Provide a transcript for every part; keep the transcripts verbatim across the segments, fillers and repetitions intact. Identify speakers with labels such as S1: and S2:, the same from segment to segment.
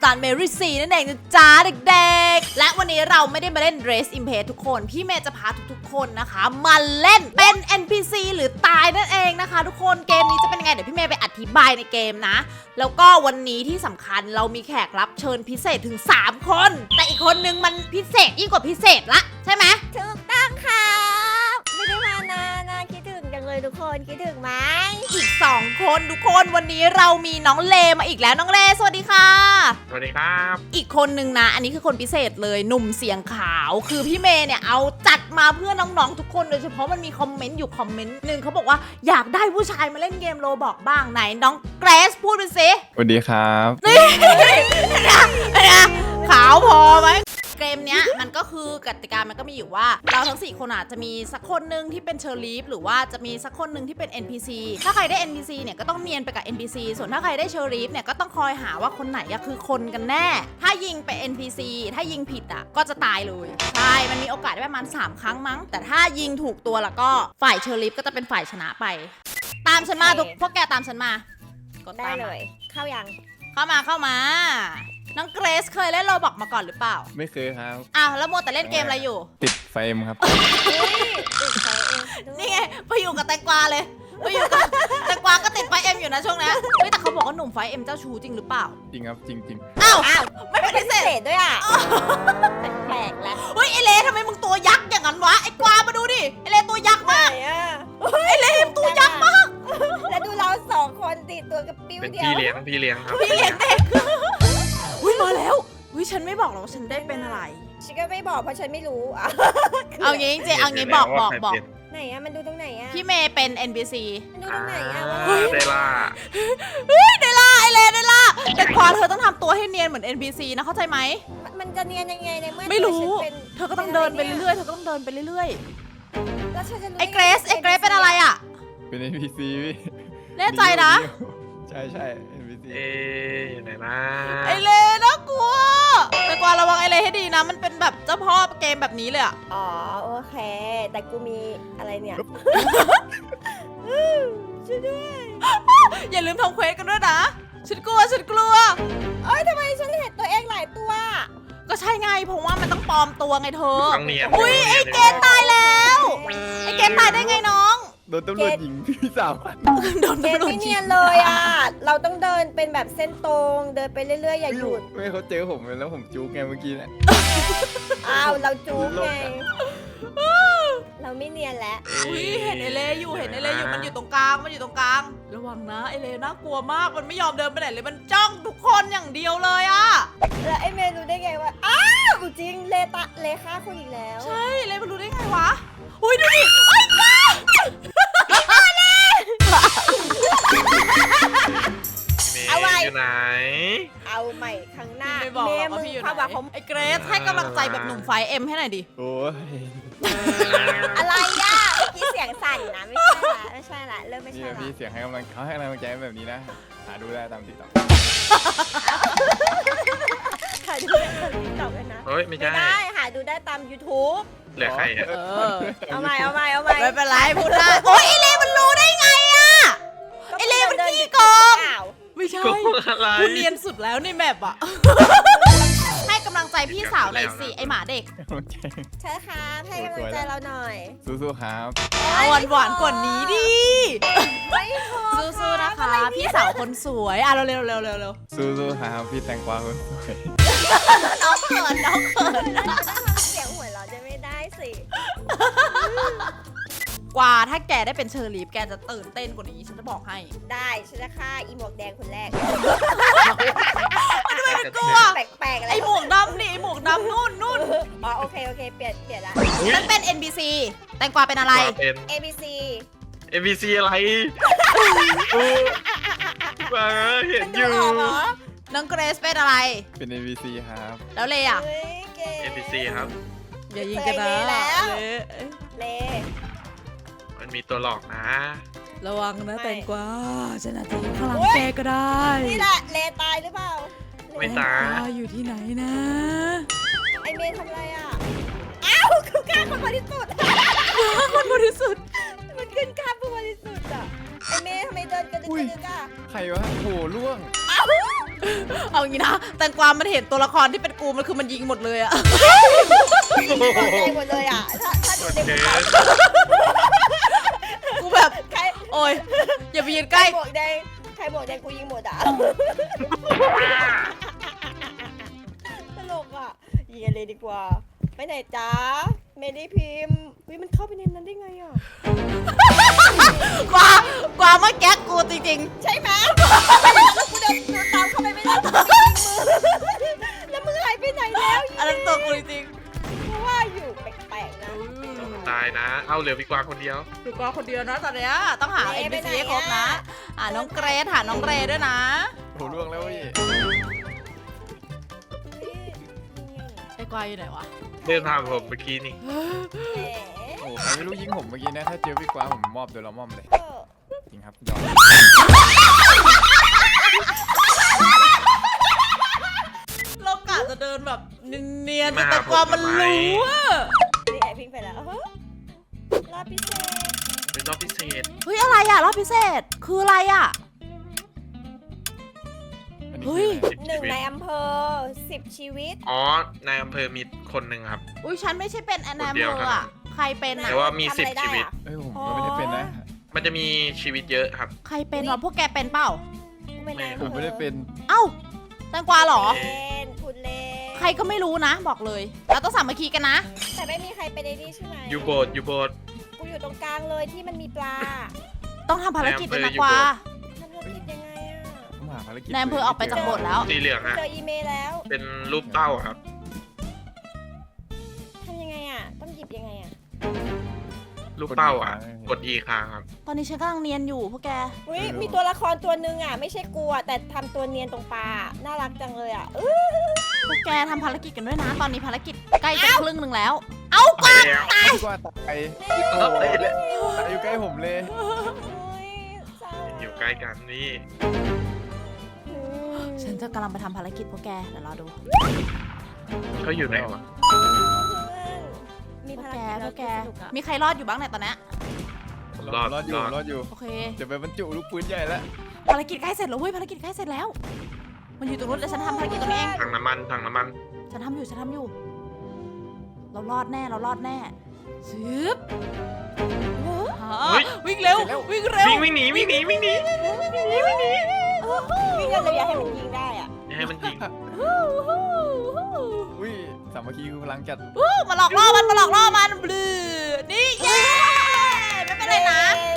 S1: ารเมรี่ซีนั่นเองนะจ๊ะเด็กๆและวันนี้เราไม่ได้มาเล่น Race Impact ทุกคนพี่เมย์จะพาทุกๆคนนะคะมาเล่นเป็น เอ็น พี ซี หรือตายนั่นเองนะคะทุกคนเกมนี้จะเป็นยังไงเดี๋ยวพี่เมย์ไปอธิบายในเกมนะแล้วก็วันนี้ที่สำคัญเรามีแขกรับเชิญพิเศษถึงสามคนแต่อีกคนนึงมันพิเศษยิ่งกว่าพิเศษละใช่ไหม
S2: ถูกต้องค่ะไม่ได้มานานนะคิดถึงจังเลยทุกคนคิดถึงไหม
S1: อีกสองคนทุกคนวันนี้เรามีน้องเลมาอีกแล้วน้องเลสวัสดีค่ะ
S3: สวัสดีครับ
S1: อีกคนนึงนะอันนี้คือคนพิเศษเลยหนุ่มเสียงขาวคือพี่เมย์เนี่ยเอาจัดมาเพื่อน้องๆทุกคนโดยเฉพาะมันมีคอมเมนต์อยู่คอมเมนต์หนึ่งเขาบอกว่าอยากได้ผู้ชายมาเล่นเกมโรบอกบ้างไหนน้องเกรซพูดไปสิ
S4: สวัสดีครับ
S1: นี่นะขาวพอไหมเกมเนี้ยมันก็คือกติกามันก็มีอยู่ว่าเราทั้งสี่คนอาจจะมีสักคนหนึ่งที่เป็นเชอร์ลีฟหรือว่าจะมีสักคนหนึ่งที่เป็น เอ็น พี ซี ถ้าใครได้ เอ็น พี ซี เนี่ยก็ต้องเนียนไปกับ เอ็น พี ซี ส่วนถ้าใครได้เชอร์ลีฟเนี่ยก็ต้องคอยหาว่าคนไหนอะคือคนกันแน่ ถ้ายิงไป เอ็น พี ซี ถ้ายิงผิดอะก็จะตายเลยใช่มันมีโอกาสได้ประมาณสามครั้งมั้งแต่ถ้ายิงถูกตัวแล้วก็ฝ่ายเชอร์ลีฟก็จะเป็นฝ่ายชนะไปตามฉันมาทุกพวกแกตามฉันมากด
S2: ได้
S1: ตาม
S2: เล
S1: มาย
S2: เข้ายัง
S1: เข้ามาเข้ามาน้องเกรซเคยเล่นโรบอกมาก่อนหรือเปล่า
S4: ไม่เคยครับ
S1: อ้าวแล้วโมวแต่เล่นเกมอะไรอยู่
S4: ติดไฟเอ็มครับ
S2: เฮ้ยติดไฟเองด้วย
S1: นี่ไงไปอยู่กับแตงกวาเลยไปอยู่กับ แตงกวาก็ติดไฟเอ็มอยู่นะช่วงนี้เฮ้ยแต่เขาบอกว่าหนุ่มไฟเอ็มเจ้าชู้จริงหรือเปล่า
S4: จริงครับจริงจริง
S1: อ้าว
S2: อ้าว
S1: ไม่เป็นพิเศ
S2: พิ
S1: ษ
S2: เศษด้วยอ่ะแปลกๆแล้ว
S1: เฮ้ยไอเลทำไมมึงตัวยักษ์อย่างนั้นวะไอกวามาดูดิไอเลตัวยักษ์
S2: ไหน
S1: มาก
S2: อ่ะ
S1: ไอเลมตัวยักษ์มาก
S2: แล้วดูเราสองคนติดตัวกับปิ้ว
S3: เป็น
S2: เดียว
S3: พี่เลี้ยงพี่เลี้ยงครับ
S1: พี่เลี้ยงเด็กอุ้ยมาแล้วอุ้ยฉันไม่บอกหรอกว่าฉันได้เป็นอะไร
S2: ฉันก็ไม่บอกเพราะฉันไม่รู้อ่ะ
S1: เอางี้จริงๆเอางี้บอกบอกบอก
S2: ไหนอ่ะมันดูตรงไหนอ่ะ
S1: พี่เมย์เป็น เอ็น พี ซี
S2: มันดูตรงไหนอ่ะว่า
S3: อ่าได้ล่า
S1: เฮ้ยเดล่าไอเลเดล่าแต่กวาเธอต้องทำตัวให้เนียนเหมือน เอ็น พี ซี นะเข้าใจไหม
S2: มันจะเนียนยังไงในเมื่อ
S1: ไม่รู้
S2: ตัวฉันป็น
S1: เธอก็ต้องเดินไปเรื่อยๆ เธอก็ต้องเดินไปเรื่อย
S2: แล้วฉันจะรู้
S1: ๆ ไอ้เกรซไอ้เกรซเป็นอะไรอ่ะ
S4: เป็น เอ็น พี ซี พี่
S1: แน่ใจนะ
S4: ใช่ใช่ เอ็น พี ซี
S3: เอ๊ะอยู่ไหนนะ
S1: ไอเลน่ากลัว แต่กวาระวังไอเลให้ดีนะ มันเป็นแบบเจ้าพ่อเกมแบบนี้เลยอ่ะ
S2: อ๋อโอเค แต่กูมีอะไรเนี่ยช่วยด้วย
S1: อย่าลืมทำเควสกันด้วยนะ ฉันกลัว ฉันกลัว
S2: เอ้ยทำไมฉันเห็นตัวเองหลายตัว
S1: ก็ใช่ไง เพราะว่ามันต้องปลอมตัวไงเธอ
S3: ต้องเนียน
S1: อุ๊ยไอ้เกรซตายแล้ว ไอเกมตายได้ไงน้อง
S4: โดนตำรวจหญิงพี่สาวพัน
S1: โดน
S2: เก
S1: ตำ
S2: ม
S1: รวจ
S2: ไม่
S1: ยิ
S2: เนีย
S1: ง
S2: นเลยอ่ะ เราต้องเดินเป็นแบบเส้นตรง เดินไปเรื่อยๆ อย่าหยุด
S4: ไม่เขาเจอผมแล้วผมจู๊กไงเมื่อกี้แหละ
S2: อ้าว เราจู๊กไง เราไม่เนียนแล้ว
S1: อุ้ยเห็นไอเลอยู่ เห็นไอเลอยู่ มันอยู่ตรงกลาง มันอยู่ตรงกลาง ระวังนะไอเลน่ากลัวมาก มันไม่ยอมเดินไปไหนเลย มันจ้องทุกคนอย่างเดียวเลยอะ
S2: แล้วไอ้เมย์รู้ได้ไงว่า อ้าวจริง เลตะเลฆ่าคนอีกแล้ว
S1: ใช่เลมันรู้ได้ไงวะ อุ้ยดูดิไอ้กา
S3: พี่เมย์อยู่ไหน
S2: เอาใหม่ครั้งหน้า
S1: ไม่บอกหรอกว่า
S2: เม
S1: พี่
S2: ย์
S1: อยู่
S2: มึง
S1: ไห
S2: เข้ามาผม
S1: นไอ้เกรซให้กำลังใจแบบหนุ่มไฟเอ็มให้หน่อยดิ
S4: โอ้ย
S2: อะไรอ่ะเมื่อกี้เสียงสั่นนะ ไม่ใช่ละไม่ใช่ละเริ่มไม่
S4: นี่
S2: ใช่
S4: แหละ
S2: ละ
S4: พี่เสียงให้กำลังเขาให้กำลังใจแบบนี้นะ หาดูได้ตามติดต่อ
S2: หาดูได้ตามติ๊กต็อกเลยนะ
S3: เฮ้ย ไม่
S2: ไม่
S3: ใช่
S2: ได้หาดูได้ตาม YouTube
S3: เหลือใครอ่ะ
S1: เออ
S2: เอาใหม่เอาใหม่เอาใหม่
S1: ไม่เป็นไรพูดได้โอ้ยไอเลมันรู้ได้ไงอะ ไอ้เลมันขี้โกง ไม่ใช่
S3: โกงอะไร
S1: คุณเนียนสุดแล้วในแมปอะ ให้กำลังใจพี่สาวหน่อยสิไอหมาเด็ก
S4: ให้กำลังใจ
S2: ใช่ครับให้กำลังใจเราหน่อย
S4: สู้ๆครับ
S1: เอาหวานหวานๆกว่านี้ดิ
S2: ไม่พอ
S1: สู้ๆนะคะ พี่สาวคนสวยอ่ะเร็วๆเร็วๆเร็วๆเร็ว
S4: สู้ๆครับพี่แตงกวาคนสวย
S1: ๆน้องเขินน้องเขิน
S2: เสียงหัวเราะจะไม่ได้สิ
S1: กว่าถ้าแกได้เป็นเชอร์ลีฟแกจะตื่นเต้นกว่านี้ฉันจะบอกให้
S2: ได้ฉันจะฆ่าอีหมวกแดงคนแรก
S1: มันไม่กลัว
S2: แปลกๆอะไร
S1: ไอหมวกดำนี่ไอหมวกดำนู่นนู่น
S2: อ๋อโอเคโอเคเปลี่ยนเปลี่ยนละ
S3: อุ๊ย
S1: ฉันเป็น เอ็น พี ซี แตงกวาเป็นอะไร
S3: มาเป็น
S2: A B C
S3: เอ็ม บี ซี อะไรอู้มาเห็น
S2: มัน
S3: อ
S2: ดู
S3: ยู่
S2: ออกเหรอ
S1: น้องเกรซเป็นอะไร
S4: เป็น เอ็น พี ซี ครับ
S1: แล้วเลยอ่ะ
S2: เฮ้ยเก่ง
S3: เอ็ม บี ซี ครับ
S1: อย่ายิงกันนะ
S2: เคยเลยแล้ว
S1: เละ
S2: เล
S3: มันมีตัวหลอกนะ
S1: ระวังนะ
S2: ไม่
S1: แตงกวาฉันอาจจะอยู่ข้างหลัง
S2: โอ๊ย
S1: แกก็ได้
S2: นี่แหละเลตายหรือเปล่า
S3: ไม่
S1: แตง
S3: ตาก
S1: วาย อยู่ที่ไหนนะ
S2: ไอเมย์ทำอะไรอ่ะ อ้าวคือฆ่าคนบริสุทธิ์
S1: คนบริสุทธิ์
S2: มันขึ้นฆ่าผู้บริสุทธิ์อ่ะ ไอเมย์ทำไมเดินกระดึกกระดึกอ่ะ
S4: ใครวะโหล่วง
S2: อ้าว
S1: เอางี้นะแตงกวามันเห็นตัวละครที่เป็นกูมันคือมันยิงหมดเลยอะ
S2: หมดเลยหมดเลยอ่ะถ้าถ้าดูใน
S3: เก
S2: มุม
S3: ส
S1: กูแบบ
S2: ใคร
S1: โอ้ยอย่าไปยืน
S2: ใค
S1: ใก
S2: ร
S1: ล้
S2: บวกแดงใครบวกแดงกูยิงหมดอ่ะตลกอ่ะยิงกันเลยดีกว่าไปไหนจ๊ะเมลี่พิมพ์วิมันเข้าไปในนั้นได้ไงอ่ะ
S1: กวากวาเมื่อกี้กูจริง
S2: ใช่ไหมแล้วกูเดินเดินตามเข้าไปไม่ได้กูยิงมือแล้วมึงหายไปไหนแล้ว
S1: ๆอันนั้นตัวกูจริง
S2: เพราะว่าอยู่แปลกๆนะ
S3: ตายนะ เอาเหลือพี่กวางคนเดียว
S1: ๆคือกวาคนเดียวนะตอนเนี้ยต้องหา
S2: เร
S1: เอ็น
S2: ไป
S1: พี
S2: ไหน
S1: ซี
S2: อะ
S1: ครบนะหาน้องเกรซหาน้องเรด้วยนะ
S4: โหล่วงแล้วพี่
S1: ไอ้กวาอยู่ไหนวะ
S3: เดินทางผมเมื่อกี้นี่
S2: แหม
S4: โอ้ใครไม่รู้ยิงผมเมื่อกี้นะถ้าเจอพี่กวางผมมอบโดยละม่อมเลย
S2: เออ
S4: จริงครับยอม
S1: เรากะจะเดินแบบเนียนๆแต่กวามันรู้อะ
S2: นี่ไอพิงไปแล้วเฮ้ยรอบพิเศษ
S3: เป็นรอบพิเศษ
S1: เฮ้ยอะไรอะรอบพิเศษคืออะไรอะ
S4: อันนี้
S1: เฮ้
S4: คือย อะไร
S2: หนึ่งในอำเภอสิบชีวิต
S3: อ๋อ ในอำเภอมีคนหนึ่งครับ
S1: อุ้ยฉันไม่ใช่เป็นแอนนา
S3: คน
S1: เม
S3: เดียว
S1: อ
S3: เท่า
S1: ร์
S3: นั้
S1: อะ
S3: น
S1: ใครเป็นอะ
S3: แต่ว่ามี
S2: ทำ
S3: สิบ
S2: อะไรได้
S3: ชีวิต
S2: อะ
S4: เอ้ยผมก็ไม่ได้เป็นนะ
S3: มันจะมีชีวิตเยอะครับ
S1: ใครเป็นวะพวกแกเป็นเปล่า
S2: กูเป็นนายอำ
S4: ผ
S2: เภ
S4: ม
S2: อ
S4: ไม่ได้เป็น
S1: เอ้าแตงกวาเหรอ
S2: เล่นคุณเล่น
S1: ใครก็ไม่รู้นะ บอกเลย เราต้องสามัคคีกันนะ
S2: แต่ไม่มีใครไปในนี่ใช่ไหม
S3: ยูโบดยูโบด
S2: กูอยู่ตรงกลางเลยที่มันมีปลา
S1: ต้องทำภารกิจด้วยนะ
S3: ในอำเภออยู่
S1: กวา
S2: ทำธุรกิจยังไงอ่ะ
S4: ผมหาภารกิจ
S1: ในอำเภอออกไปจากโบสถ์แล้ว
S3: สีเหลืองฮะ
S2: เจออีเมลแล้ว
S3: เป็นรูปเต้าครับ
S2: ทำยังไงอ่ะ ต้องหยิบยังไงอ่ะ
S3: รูปเต้าอ่ะ กด E ค้างครับ
S1: ตอนนี้ฉันกำลังเนียนอยู่พวกแก
S2: อุ้ยมีตัวละครตัวหนึ่งอ่ะ ไม่ใช่กูอ่ะแต่ทำตัวเนียนตรงปลา น่ารักจังเลยอ่ะอื้อ
S1: พวกแกทำภารกิจกันด้วยนะ ตอนนี้ภารกิจใกล้จะครึ่งหนึ่งแล้ว เอ้า
S3: ไปแล้ว
S4: พี่กวางตายโอ้โหตายอยู่ใกล้ผมเลย
S2: เฮ้ยเศร้า
S3: อยู่ใกล้กันนี่
S2: อืม
S1: ฉันจะกำลังไปทำภารกิจพวกแกเดี๋ยวรอดู
S3: เขาอยู่ไหนวะ
S2: มี
S1: พว
S2: ภาก ร
S1: แก
S2: กิจ
S1: พวกแก
S2: สนุกอ่ะ
S1: มีใครรอดอยู่บ้างเนี่ยตอนเนี้ย
S3: รอด
S4: รอดอยู่
S3: รอด
S4: รอดอยู่
S1: โอเค
S4: จะไปบรรจุลูกปืนใหญ่แล้ว
S1: ภารกิจใกล้เสร็จแล้วเว้ยภารกิจใกล้เสร็จแล้ว มันอยู่ตรงนู้นเดี๋ยวฉันทำภารกิจตรงนี้เอง
S3: ถังน้ำมันถังน้ำมัน
S1: ฉันทำอยู่ฉันทำอยู่ เรารอดแน่เรารอดแน่ซึบวิ่งเร็ววิ่งเร็ว
S3: วิ่งวิ่งหนีวิ่งหนีวิ่งหนี
S2: วิ่งกันเลยอย่าให้มันยิงได้อ่ะ
S3: อย่าให้มันยิง
S4: อุ้ยสามัคคีคือพลังจัด
S1: อู้มาหลอกล่อมันมาหลอกล่อมันบลือนี่เย้ไม่เป็นไรนะ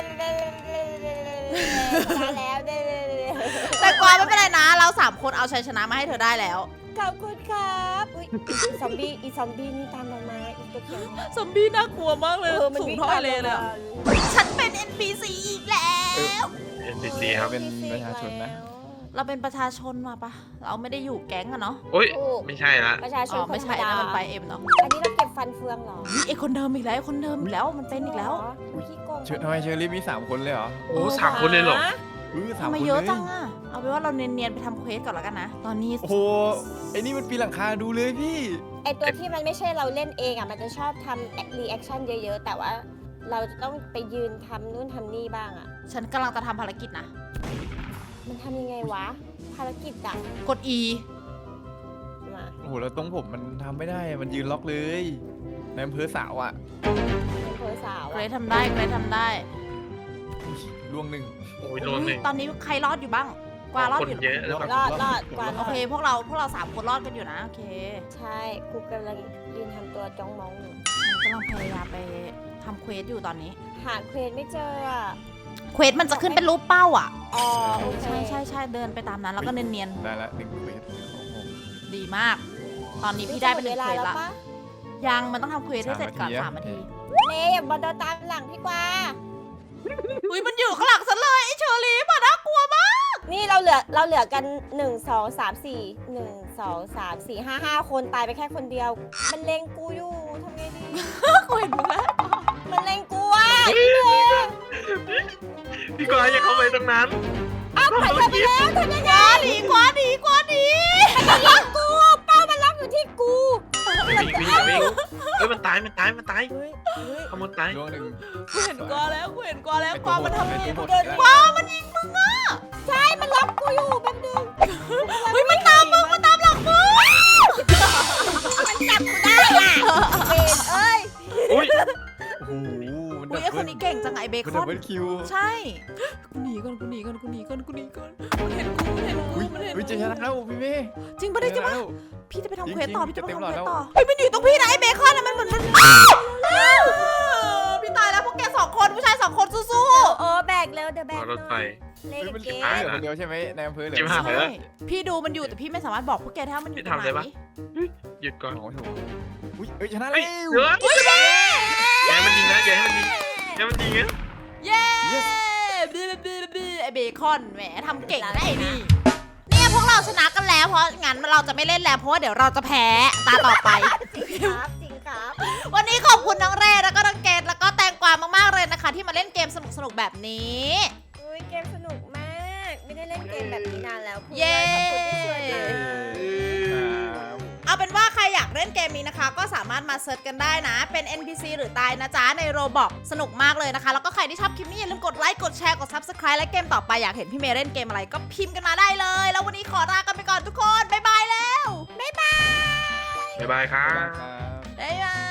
S2: มาแล้วเด้
S1: แต่กวางไม่เป็นไรนะ เราสามคนเอาชัยชนะมาให้เธอได้แล้ว
S2: ขอบคุณครับอุ้ยซอมบี้อีซอมบี้นี่ตามเรามาอีตัวเขียว
S1: ซอมบี้น่ากลัวมากเลย
S2: เออมัน
S1: สูง
S2: วิ่ง
S1: เท่า
S2: ตา
S1: ไอ
S2: ม
S1: เล
S2: เรา
S1: เลย
S2: มา
S1: อะฉันเป็น เอ็น พี ซี อีกแล้ว
S3: เอ็นพีซีครับ
S4: เป็นประชาชนนะ
S1: เราเป็นประชาชนมาปะเราไม่ได้อยู่แก๊งอะเนาะ
S3: โอ้ย
S2: ถูก
S3: ไม่ใช่ละ
S2: ประชาช
S1: อ๋
S2: น
S1: อไม่ใช่
S2: ธรร
S1: นะ
S2: ดา
S1: มันไปเอ็มเนาะ
S2: อันนี้เราเก็บฟันเฟืองเหรอ
S1: นี่ไอคนเดิมอีกแล้วไอคนเดิมอีกแล้วมันเป็นอีกแล้ว
S2: อุ๊ยขี้โกง
S4: เชิญทำไมเชอรี่มีสามคนเลยเหรอ
S3: โอ้สามคนเลยเหรอ
S4: เออสาม
S1: ทำ
S4: ค
S1: ไม
S4: น
S1: เยอะ
S4: เลย
S1: จังอะเอาเป็นว่าเราเนียนๆไปทำเควสก่อนแล้วกันนะ ตอนนี้
S4: โอ้โหไอ้นี่มันปีนหลังคาดูเลยพี่
S2: ไอตัวที่มันไม่ใช่เราเล่นเองอ่ะมันจะชอบทำรีแอคชั่นเยอะๆ แต่ว่าเราจะต้องไปยืนทำนู่นทำนี่บ้างอ่ะ
S1: ฉันกำลังจะทำภารกิจนะ
S2: มันทำยังไงวะ ภารกิจอ่ะ
S1: กด E
S2: มา
S4: โอ้โหแล้วตรงผมมันทำไม่ได้ มันยืนล็อกเลยในอำเภอสาวอ่ะ
S2: เป็นเพอสาว
S1: เกร
S2: อะ
S1: ททำได้เกรททำได้
S4: ล่วงหนึ่ง
S3: โอ้ยโดนหนึ่ง
S1: ตอนนี้ใครรอดอยู่บ้าง กวางรอด
S3: คน
S1: อยู่ห
S3: เย
S1: รือ
S3: อะ
S1: เปล่า
S3: หรือเปล่าร
S2: อดรอดกว่า
S1: โอเค พวกเราพวกเราสามคนรอดกันอยู่นะ โอเค
S2: ใช่ครูกำลังยืนทำตัวจ้องมองอยู่
S1: ฉันกำลังพยายามไปทำเควสอยู่ตอนนี้
S2: หาเควสไม่เจออ่ะ
S1: เควสมันจะขึ้นเป็นรูปเป้าอ่ะ
S2: อ๋อโอเค
S1: ใช่ใช่ใช่เดินไปตามนั้นแล้วก็เนียน
S4: ได้ละหนึ่งเควสโอ้โห
S1: ๆดีมาก ตอนนี้พี่ได้เป็นหนึ่งเควส
S2: แล้
S1: ละ
S2: วปะ
S1: ยังมันต้องทำเควสให้เสร็จก่อน
S4: สา
S1: สาม ม
S4: นา
S1: นา
S4: ที
S1: ที
S2: เนยอย่ามาเดินตามหลังพี่กวา
S1: อุ้ยมันอยู่ข้างหลังฉันเลยไอเชอรี่ป่ะน่ากลัวมาก
S2: นี่เราเหลือเราเหลือกันหนึ่งสองสามสี่หนึ่งสองสามสี่ห้าห้าคนตายไปแค่คนเดียว มันเล็งกูอยู่ทำไงดี
S1: กูเห็นมึงแล้ว
S2: มันเล็งกูอ่ะ
S3: พี่กวางอย่าเข้าไปตรงนั้น
S2: อ้าวไปเธอไปแล้วทำยังไง
S1: หนีกว่าหนีกว่าหนี
S2: มันล็อกกูเป้ามันล็อกอยู่ที่กู
S3: วิ่งวิ่งวิ่งเฮ้ยมันตายมันตายมันตาย
S2: เฮ้ยเฮ้ย
S3: ขโมยตาย
S4: ล่วงหนึ่ง
S1: กูเห็นกว่าแล้วกูเห็นกว่าแล้วกว่ามันทำ
S4: ไอ้
S1: ไง
S4: ตัวหมด
S2: เดิน
S4: แล้ว
S1: กว่ามันยิงมึงอ่ะ
S2: ใช่มันล็อกกูอยู่แป๊บนึง
S1: เฮ้ย
S4: เป็น
S1: ค
S4: ดั
S1: อบ น
S4: เบิลคิว
S1: ใช่กูหนีก่อนกูหนีก่อนกูหนีก่อนกูหนีก่อนมันเห็นกูมันเห็นกู
S4: อุ้ย
S1: มันเห็น
S4: อุ้ย
S1: กู
S4: จะชนะแล้วพี่เมย์
S1: จริงปะเนี่ยจริงปะ
S4: แล้ว
S1: พี่จะไปทำเควส
S4: จริงๆ
S1: ต่อพี่จะไป
S4: จะเต็ม
S1: ทำ
S4: หล
S1: เคว
S4: อด
S1: ส
S4: แล้ว
S1: ต่อเฮ้ยมันอยู่ตรงพี่นะไอ้เบคอนอะมันเหมือนมันอ้าวอ้าวพี่ตายแล้วพวกแกสองคนผู้ชายสองคนสู้
S2: โอ้แบกเร็วเดี๋ยวแบก
S3: รถไฟ
S2: เล่น
S4: เฮ้ยมัน
S2: เก
S4: ตาย
S2: ม
S4: เหลือคนเดียวใช่ไหมในอำเภอเหลือ
S3: จิ้ม
S1: ๆ
S3: หาย
S1: ใช่พี่ดูมันอยู่แต่พี่ไม่สามารถบอกพวกแกได้ว่ามันอยู่ตรงไห
S3: พี่ทำเลย
S1: น
S3: ปะ หยุดก่อน
S4: โอ้โหอุ้ยเอ้ยชนะ
S3: เฮ้
S4: แล้
S3: ยว เฮ้ยอย่าให้มันยิงนะอย่าให้มันยิงอย่าให้มันยิงนะ
S1: เย้บีบีบีไอเบคอนแหมทำเก่งนะไอ้นี่เนี่ยพวกเราชนะกันแล้วเพราะงั้นเราจะไม่เล่นแล้วเพราะว่าเดี๋ยวเราจะแพ้ตาต่อไป
S2: จริงครับจริงครับ
S1: วันนี้ขอบคุณน้องเรย์แล้วก็น้องเกดแล้วก็แตงกวามากๆเลยนะคะ ที่มาเล่นเกมสนุกๆแบบนี้
S2: อุ้ยเกมสนุกมาก ไม่ได้เล่นเกมแบบนี้นานแล้วพูด
S1: เย้
S2: ขอบคุณที่ชวนมา
S4: ครับ
S1: เอาเป็นว่าใครอยากเล่นเกมนี้นะคะ ก็สามารถมาเซิร์ชกันได้นะ เป็น เอ็น พี ซี หรือตายนะจ๊ะในโรบอกสนุกมากเลยนะคะ แล้วก็ใครที่ชอบคลิปนี้อย่าลืมกดไลค์กดแชร์กด ซับสไครบ์ และเกมต่อไปอยากเห็นพี่เมย์เล่นเกมอะไรก็พิมพ์กันมาได้เลย แล้ววันนี้ขอลากันไปก่อนทุกคนบ๊ายบายแล้วบ๊ายบาย
S3: บ๊ายบายครั
S4: บ๊ายบาย
S3: บ
S4: ครับ
S1: บ๊ายบาย